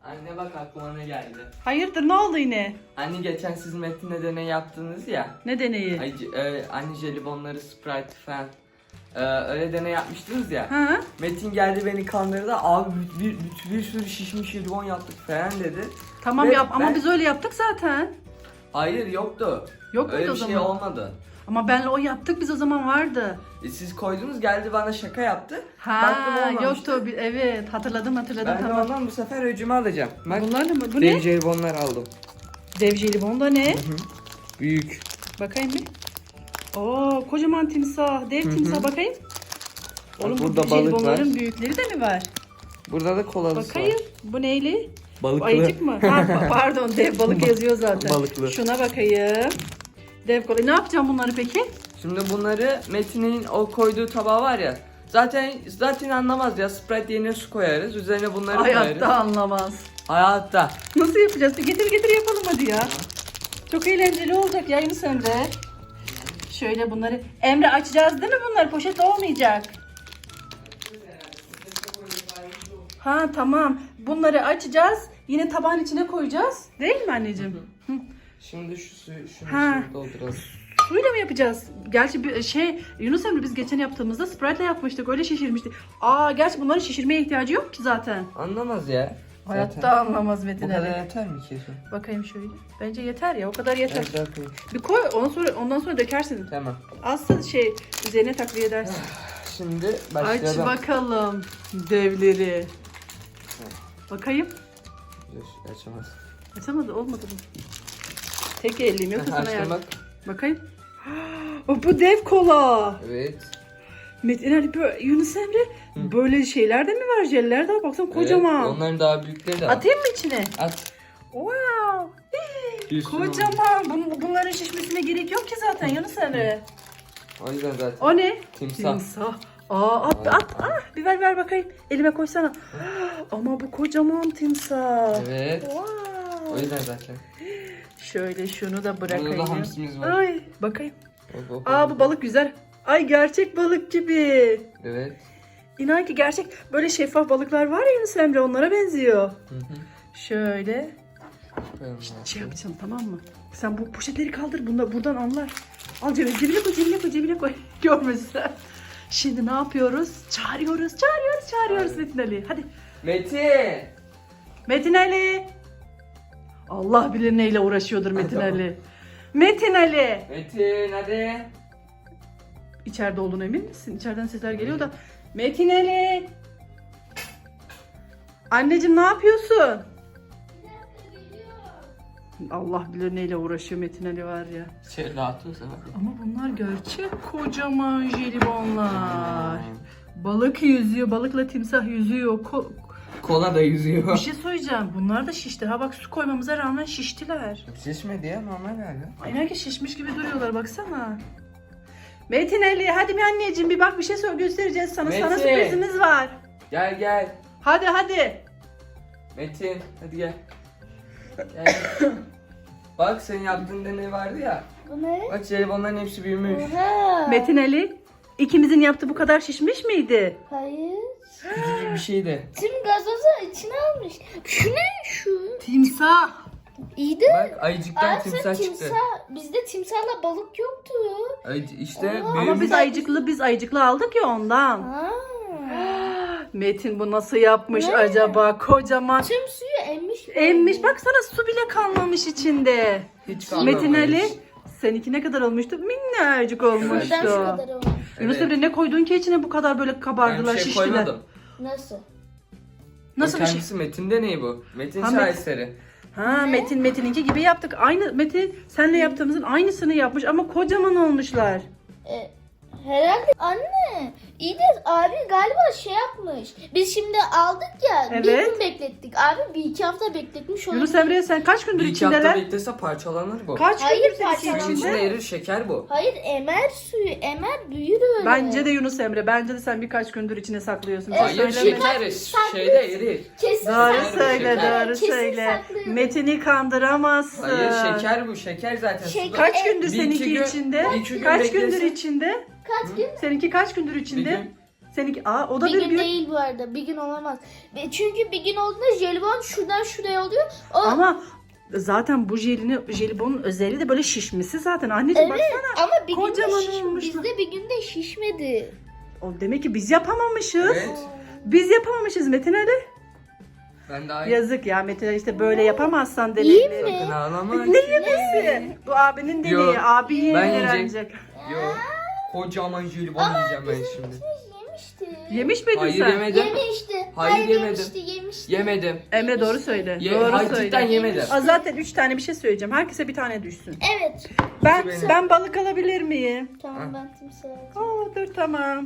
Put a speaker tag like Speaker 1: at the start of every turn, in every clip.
Speaker 1: Anne bak aklıma ne geldi.
Speaker 2: Hayırdır, ne oldu yine?
Speaker 1: Anne geçen siz Metin'le deney yaptınız ya.
Speaker 2: Ne deneyi?
Speaker 1: Anne jelibonları, Sprite falan. Öyle deney yapmıştınız ya.
Speaker 2: Ha?
Speaker 1: Metin geldi beni kandırdı. Abi bir sürü şişmiş jelibon yaptık falan dedi.
Speaker 2: Tamam
Speaker 1: Ve
Speaker 2: yap ama
Speaker 1: ben-
Speaker 2: biz öyle yaptık zaten.
Speaker 1: Hayır yoktu.
Speaker 2: Yok muydu
Speaker 1: Öyle
Speaker 2: o
Speaker 1: bir şey
Speaker 2: zaman?
Speaker 1: olmadı.
Speaker 2: Ama benle o yaptık biz o zaman vardı.
Speaker 1: Siz koydunuz geldi bana şaka yaptı.
Speaker 2: Ha
Speaker 1: Baktım olmamıştı.
Speaker 2: yoktu. Evet hatırladım
Speaker 1: Ben de
Speaker 2: tamam.
Speaker 1: ondan bu sefer öcümü alacağım. Bak
Speaker 2: Bunlar da mı? Bu
Speaker 1: dev
Speaker 2: ne?
Speaker 1: jelibonlar aldım.
Speaker 2: Dev jelibon da ne?
Speaker 1: Büyük.
Speaker 2: Bakayım bir. Oo kocaman timsah. Dev timsah bakayım. Oğlum bu
Speaker 1: burada balık
Speaker 2: jelibonların
Speaker 1: var.
Speaker 2: büyükleri de mi var?
Speaker 1: Burada da kolalısı
Speaker 2: Bakayım.
Speaker 1: var.
Speaker 2: Bu neyli?
Speaker 1: Balıklı.
Speaker 2: Bu ayıcık mı? Ha, pardon dev balık yazıyor zaten.
Speaker 1: Balıklı.
Speaker 2: Şuna bakayım. Dev kola. Ne yapacağım bunları peki?
Speaker 1: Şimdi bunları Metin'in o koyduğu tabağı var ya. Zaten anlamaz ya. Sprite yerine su koyarız. Üzerine bunları
Speaker 2: Hayatta
Speaker 1: koyarız.
Speaker 2: anlamaz.
Speaker 1: Hayatta.
Speaker 2: Nasıl yapacağız? Getir yapalım hadi ya. Çok eğlenceli olacak ya Yunus Emre. Şöyle bunları. Emre açacağız değil mi bunları? Poşet olmayacak. Ha tamam. Bunları açacağız. Yine tabağın içine koyacağız. Değil mi anneciğim? Hı.
Speaker 1: Şimdi şu suyu şunu
Speaker 2: Ha.
Speaker 1: şimdi dolduralım.
Speaker 2: Suyla mı yapacağız? Gerçi bir Yunus Emre biz geçen yaptığımızda Sprite'le yapmıştık. Öyle şişirmiştik. Gerçi bunların şişirmeye ihtiyacı yok ki zaten.
Speaker 1: Anlamaz ya.
Speaker 2: Hayatta
Speaker 1: Zaten.
Speaker 2: anlamaz
Speaker 1: Bu
Speaker 2: Metin
Speaker 1: kadar
Speaker 2: Ali.
Speaker 1: yeter mi ki su?
Speaker 2: Bakayım şöyle. Bence yeter ya. O kadar yeter.
Speaker 1: Evet, daha koyayım.
Speaker 2: Bir koy ondan sonra dökersin.
Speaker 1: Tamam.
Speaker 2: Asıl üzerine takviye edersin.
Speaker 1: Şimdi
Speaker 2: Aç
Speaker 1: başlayalım.
Speaker 2: bakalım devleri. Bakayım.
Speaker 1: Dur, açamaz.
Speaker 2: Açamadı olmadı mı? Tek elliyim yoksa sana
Speaker 1: Açtım
Speaker 2: yardım.
Speaker 1: bak.
Speaker 2: Bakayım. Bu dev kola.
Speaker 1: Evet.
Speaker 2: Metin Ali Yunus Emre böyle şeyler de mi var? Jeller de var. Baksana kocaman.
Speaker 1: Evet, onların daha büyükleri de var.
Speaker 2: Atayım mı içine?
Speaker 1: At.
Speaker 2: Wow.
Speaker 1: Bir sürü
Speaker 2: Kocaman. Bunların şişmesine gerek yok ki zaten Yunus Emre.
Speaker 1: O yüzden zaten.
Speaker 2: O ne?
Speaker 1: Timsah.
Speaker 2: At. Bir ver bakayım. Elime koysana. Ama bu kocaman timsah.
Speaker 1: Evet.
Speaker 2: Wow.
Speaker 1: O yüzden zaten.
Speaker 2: Şöyle şunu da
Speaker 1: Burada
Speaker 2: bırakayım.
Speaker 1: da hamsimiz var.
Speaker 2: Ay bakayım.
Speaker 1: Hop.
Speaker 2: Bu balık güzel. Ay gerçek balık gibi.
Speaker 1: Evet.
Speaker 2: İnan ki gerçek böyle şeffaf balıklar var ya Yunus Emre onlara benziyor.
Speaker 1: Hı hı.
Speaker 2: Şöyle
Speaker 1: Koyalım
Speaker 2: şey yapacağım tamam mı? Sen bu poşetleri kaldır buradan anlar. Al cebine koy. Görmesinler. Şimdi ne yapıyoruz? Çağırıyoruz Metin Ali. Hadi. Metin Ali. Allah bilir neyle uğraşıyordur Metin
Speaker 1: Tamam.
Speaker 2: Ali. Metin Ali.
Speaker 1: Metin hadi.
Speaker 2: İçeride olduğuna emin misin? İçeriden sesler geliyor da. Metin Ali. Anneciğim ne yapıyorsun? Allah bilir neyle uğraşıyor Metin Ali var ya.
Speaker 1: Rahat ol sen hadi.
Speaker 2: Ama bunlar gerçek kocaman jelibonlar. Balık yüzüyor, balıkla timsah yüzüyor.
Speaker 1: Kola da yüzüyor.
Speaker 2: Bir şey söyleyeceğim. Bunlar da şişti. Ha bak su koymamıza rağmen şiştiler.
Speaker 1: Şişmedi ya normal galiba.
Speaker 2: Aynen ki şişmiş gibi duruyorlar baksana. Metin Ali hadi bir anneciğim bir bak bir şey göstereceğiz sana. Sana
Speaker 1: Metin.
Speaker 2: sürprizimiz var.
Speaker 1: Gel.
Speaker 2: Hadi.
Speaker 1: Metin hadi gel. Gel. Bak senin yaptığın deney vardı ya.
Speaker 3: Bu ne?
Speaker 1: Bak jelibonların hepsi büyümüş.
Speaker 3: Oha.
Speaker 2: Metin Ali ikimizin yaptığı bu kadar şişmiş miydi?
Speaker 3: Hayır.
Speaker 1: Küçücük bir şeydi.
Speaker 3: Tüm gazozu içine almış. Şu ne şu?
Speaker 2: Timsah.
Speaker 3: İyi de.
Speaker 1: Bak ayıcıktan timsah çıktı.
Speaker 3: Bizde timsahla balık yoktu.
Speaker 1: İşte
Speaker 3: Aa,
Speaker 2: Ama
Speaker 1: büyümüş.
Speaker 2: biz ayıcıklı aldık ya ondan.
Speaker 3: Ha.
Speaker 2: Metin bu nasıl yapmış
Speaker 3: Ne?
Speaker 2: acaba? Kocaman.
Speaker 3: Tüm suyu emmiş.
Speaker 2: Emmiş baksana su bile kalmamış içinde.
Speaker 1: Hiç kalmamış.
Speaker 2: Metin Ali seninki ne kadar olmuştu? Minnacık olmuştu.
Speaker 3: Neden şu kadar olmuş?
Speaker 2: Yunus
Speaker 1: Evet.
Speaker 2: Emre ne koydun ki içine bu kadar böyle
Speaker 1: Ben
Speaker 2: kabardılar,
Speaker 1: bir şey
Speaker 2: şiştiler?
Speaker 1: koymadım.
Speaker 3: Nasıl?
Speaker 2: Nasıl bir şey?
Speaker 1: Kendisi Metin deneyi bu. Metin
Speaker 2: Ha,
Speaker 1: şaheseri.
Speaker 2: Ha Metin'inki gibi yaptık. Aynı Metin senle yaptığımızın aynısını yapmış ama kocaman olmuşlar.
Speaker 3: Herhalde anne. İyi de abi galiba şey yapmış. Biz şimdi aldık ya. Bir
Speaker 2: Evet.
Speaker 3: gün beklettik. Abi bir iki hafta bekletmiş onu.
Speaker 2: Yunus Emre sen kaç gündür
Speaker 1: Bir iki hafta
Speaker 2: içindeler?
Speaker 1: beklese parçalanır bu.
Speaker 2: Kaç
Speaker 3: Hayır,
Speaker 2: gündür senin
Speaker 3: parçalanmaz.
Speaker 1: Suyun içinde
Speaker 2: içinde?
Speaker 1: erir şeker bu.
Speaker 3: Hayır emer suyu. Emer büyür öyle.
Speaker 2: Bence de Yunus Emre. Bence de sen birkaç gündür içine saklıyorsun. Bir şey
Speaker 1: Hayır
Speaker 2: söyleme.
Speaker 1: şeker şeyde erir.
Speaker 3: Kesin
Speaker 2: Doğru
Speaker 1: Saklıyorum
Speaker 2: söyle,
Speaker 1: şeker.
Speaker 2: doğru
Speaker 3: Kesin
Speaker 2: söyle.
Speaker 3: saklıyorum.
Speaker 2: Metin'i kandıramazsın.
Speaker 1: Hayır şeker bu. Şeker zaten.
Speaker 3: Şeker.
Speaker 1: Suda-
Speaker 2: Kaç gündür
Speaker 1: Bir iki
Speaker 2: seninki
Speaker 1: gün-
Speaker 2: içinde?
Speaker 1: bir iki gün
Speaker 2: Kaç
Speaker 1: beklesin.
Speaker 2: gündür içinde?
Speaker 3: Kaç gün?
Speaker 2: Seninki kaç gündür
Speaker 1: Bir
Speaker 2: içinde?
Speaker 1: gün.
Speaker 2: Seninki o da
Speaker 3: Bir
Speaker 2: bir
Speaker 3: gün
Speaker 2: gün.
Speaker 3: değil bu arada. Bir gün olamaz. Çünkü bir gün olduğunda jelibon şuradan şuraya oluyor. O
Speaker 2: Ama zaten bu jelibonun özelliği de böyle şişmesi zaten. Anneciğim
Speaker 3: evet
Speaker 2: baksana.
Speaker 3: ama bir
Speaker 2: Kocaman
Speaker 3: günde
Speaker 2: olmuş.
Speaker 3: bizde bir günde şişmedi.
Speaker 2: O demek ki biz yapamamışız.
Speaker 1: Evet.
Speaker 2: Biz yapamamışız Metin Ali.
Speaker 1: Ben daha iyi.
Speaker 2: Yazık ya Metin Ali, işte böyle yapamazsan
Speaker 3: İyi
Speaker 2: deneyleri.
Speaker 3: mi?
Speaker 1: Sakın ağlama.
Speaker 2: Ne yemesi? Bu abinin deneyi.
Speaker 1: Yok,
Speaker 2: Abi
Speaker 1: ben
Speaker 2: öğrenecek.
Speaker 1: Yok. Kocaman jelibon yiyeceğim ben şimdi.
Speaker 3: Yemişti.
Speaker 2: Yemiş miydin
Speaker 1: Hayır
Speaker 2: sen?
Speaker 1: yemedim.
Speaker 3: Yemişti.
Speaker 1: Hayır, yemedim.
Speaker 3: Yemişti.
Speaker 1: Yemedim.
Speaker 2: Emre doğru söyle.
Speaker 1: Hayır
Speaker 2: Doğru
Speaker 1: cidden
Speaker 2: söyle.
Speaker 1: yemedim.
Speaker 2: Zaten 3 tane bir şey söyleyeceğim. Herkese bir tane düşsün.
Speaker 3: Evet.
Speaker 2: Ben balık alabilir miyim?
Speaker 3: Tamam ben timsah alacağım.
Speaker 2: Dur tamam.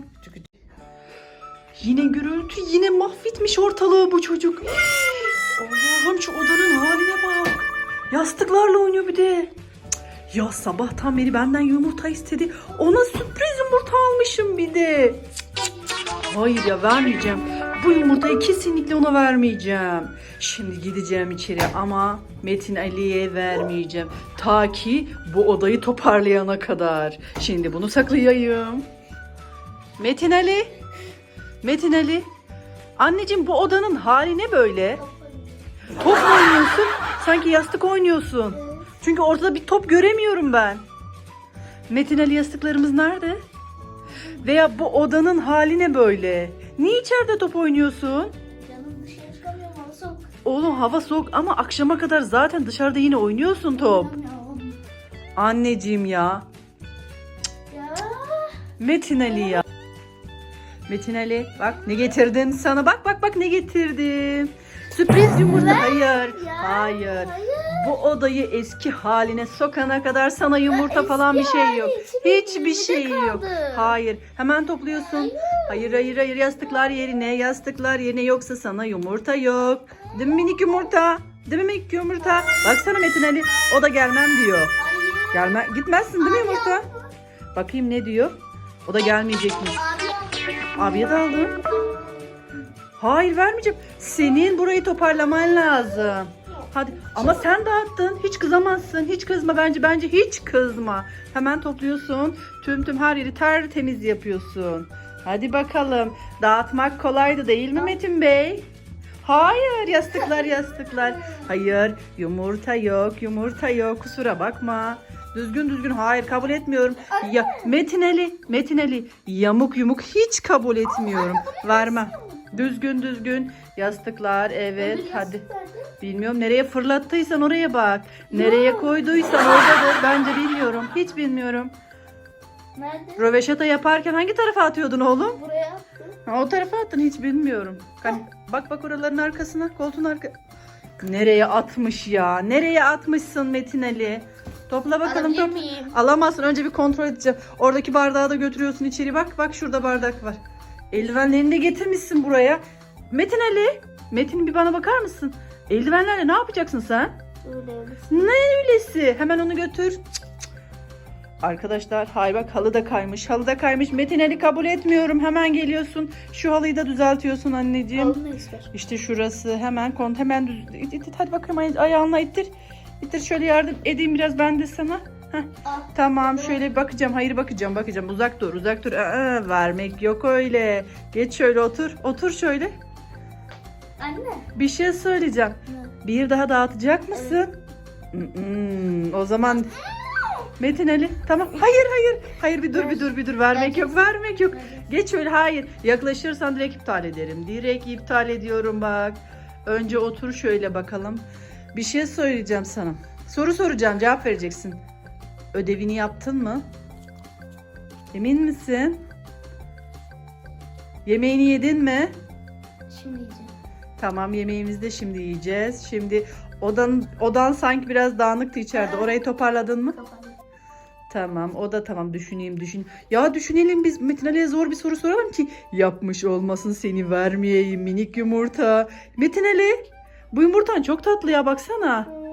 Speaker 2: Yine gürültü, yine mahvetmiş ortalığı bu çocuk. Allah'ım şu odanın haline bak. Yastıklarla oynuyor bir de. Cık, ya sabahtan beri benden yumurta istedi. Ona sürpriz yumurta almışım bir de. Cık, hayır ya vermeyeceğim. Bu yumurtayı kesinlikle ona vermeyeceğim. Şimdi gideceğim içeri ama Metin Ali'ye vermeyeceğim. Ta ki bu odayı toparlayana kadar. Şimdi bunu saklayayım. Metin Ali. Metin Ali. Anneciğim bu odanın hali ne böyle? Top mu oynuyorsun? Sanki yastık oynuyorsun. Çünkü ortada bir top göremiyorum ben. Metin Ali yastıklarımız nerede? Veya bu odanın hali ne böyle? Niye içeride top oynuyorsun?
Speaker 3: Canım dışarı çıkamıyorum hava soğuk.
Speaker 2: Oğlum hava soğuk ama akşama kadar zaten dışarıda yine oynuyorsun top. Anneciğim ya.
Speaker 3: Ya.
Speaker 2: Metin Ali ya. Metin Ali bak ne getirdim sana. Bak ne getirdim. Sürpriz yumurta. Hayır. Hayır. Bu odayı eski haline sokana kadar sana yumurta falan bir şey yok. Hiçbir şey yok. Hayır. Hemen topluyorsun. Hayır. Yastıklar yerine yoksa sana yumurta yok. Değil mi minik yumurta? Değil mi minik yumurta? Baksana Metin Ali. O da gelmem diyor. Gitmezsin değil mi yumurta? Bakayım ne diyor. O da gelmeyecekmiş. Abiye de aldım. Hayır vermeyeceğim. Senin burayı toparlaman lazım. Hadi ama sen dağıttın. Hiç kızamazsın. Hiç kızma bence hiç kızma. Hemen topluyorsun. Tüm her yeri tertemiz yapıyorsun. Hadi bakalım. Dağıtmak kolaydı değil mi Metin Bey? Hayır yastıklar. Hayır yumurta yok. Kusura bakma. Düzgün hayır kabul etmiyorum. Ya Metin Ali yamuk hiç kabul etmiyorum. Vermem. Düzgün yastıklar evet hadi. Bilmiyorum nereye fırlattıysan oraya bak. Nereye koyduysan oradadır. Bence bilmiyorum. Hiç bilmiyorum.
Speaker 3: Nerede?
Speaker 2: Röveşata yaparken hangi tarafa atıyordun oğlum?
Speaker 3: Buraya attım.
Speaker 2: O tarafa attın hiç bilmiyorum. Bak oraların arkasına, koltuğun arka. Nereye atmış ya? Nereye atmışsın Metin Ali? Topla bakalım
Speaker 3: Alabilir
Speaker 2: topla.
Speaker 3: miyim?
Speaker 2: Alamazsın. Önce bir kontrol edeceğim. Oradaki bardağı da götürüyorsun içeri. Bak şurada bardak var. Eldivenlerini de getirmişsin buraya. Metin Ali. Metin bir bana bakar mısın? Eldivenlerle ne yapacaksın sen?
Speaker 3: Öyle.
Speaker 2: Ne öylesi? Hemen onu götür. Cık. Arkadaşlar hay bak halı da kaymış. Metin Ali kabul etmiyorum. Hemen geliyorsun. Şu halıyı da düzeltiyorsun anneciğim.
Speaker 3: Alın ister.
Speaker 2: İşte şurası hemen düz. Hadi bakalım ayağınla ittir. İttir şöyle yardım edeyim biraz ben de sana. Heh.
Speaker 3: Al.
Speaker 2: Tamam şöyle bakacağım. Hayır bakacağım. Uzak dur. Vermek yok öyle. Geç şöyle otur şöyle.
Speaker 3: Anne.
Speaker 2: Bir şey söyleyeceğim.
Speaker 3: Ne?
Speaker 2: Bir daha dağıtacak mısın? O zaman Metin Ali tamam. Hayır bir dur. Vermek yok. Geç şöyle hayır. Yaklaşırsan direkt iptal ederim. Direkt iptal ediyorum bak. Önce otur şöyle bakalım. Bir şey söyleyeceğim sana. Soru soracağım cevap vereceksin. Ödevini yaptın mı? Emin misin? Yemeğini yedin mi?
Speaker 3: Şimdi yiyeceğim.
Speaker 2: Tamam yemeğimizi de şimdi yiyeceğiz. Şimdi odan sanki biraz dağınıktı içeride. Orayı toparladın mı?
Speaker 3: Kapalı.
Speaker 2: Tamam o da tamam düşüneyim. Ya düşünelim biz Metin Ali'ye zor bir soru soralım ki yapmış olmasın seni vermeyeyim minik yumurta. Metin Ali bu yumurtan çok tatlı ya baksana.